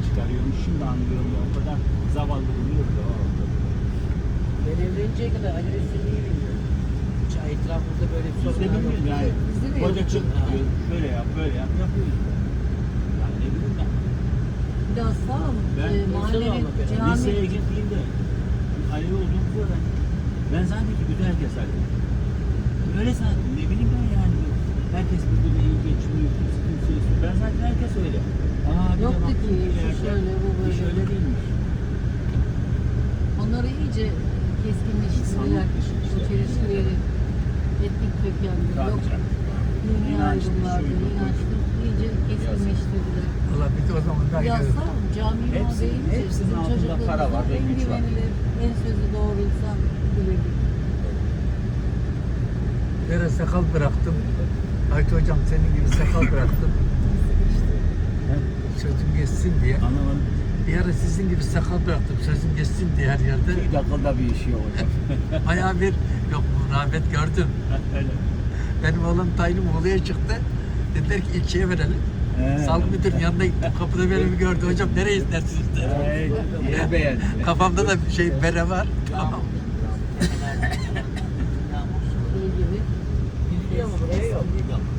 çıkarıyormuş. Şimdi anlıyorum ya. O kadar zavallı buluyordu o. Ben evleninceye kadar Ali Resulü'yü bilmiyorum. Hiç etrafımızda böyle bir Biz de sorunlar yok. bilmiyoruz yani. Bizde de Koca yok. çık diyor. Şöyle yap, böyle yap. Yapıyoruz. Yani ne bileyim ben. Bir de aslan Ben mahallenin liseye cami Liseye gittiğimde aile olduğumuzda da ben zannettim bütün herkes aile. Öyle zannettim. Ne bileyim ben yani. Herkes birbirine iyi geçiniyor. Kimse yok. Ben zaten herkes öyle. Bir de Yoktu baktım ki, bir şu yerde, şöyle, bu böyle. iş öyle değilmiş. onları iyice keskinleştirdiler. İnsanlık dışı işte. Bu çelişkileri, etnik kökenli, Tabii yok canım. dini İnançlı, ayrımlarda, şuydu, inançlı iyice keskinleştirdiler. Valla bir de o zaman da Ya gidiyoruz. sağ ol, cami Hepsi- deyince hepsinin bizim altında çocukluğumuzda para var ve en güç var. güvenilir, en sözü doğru insan bilirdik. Yere sakal bıraktım. Ayt hocam senin gibi sakal bıraktım. Sözüm geçsin diye. Anlamadım. Bir ara sizin gibi sakal bıraktım. Sözüm geçsin diye her yerde. Bir dakikada bir işi yok hocam. Bayağı bir yok rağbet gördüm. Öyle. Benim oğlum tayinim Muğla'ya çıktı. Dediler ki ilçeye verelim. Sağlık müdürünün yanına gittim. Kapıda böyle bir gördü. Hocam nereye istersiniz dedi. Yer beğendi. Kafamda da bir şey bere var. Tamam. Şey gibi. Biliyor musun? Buraya yok.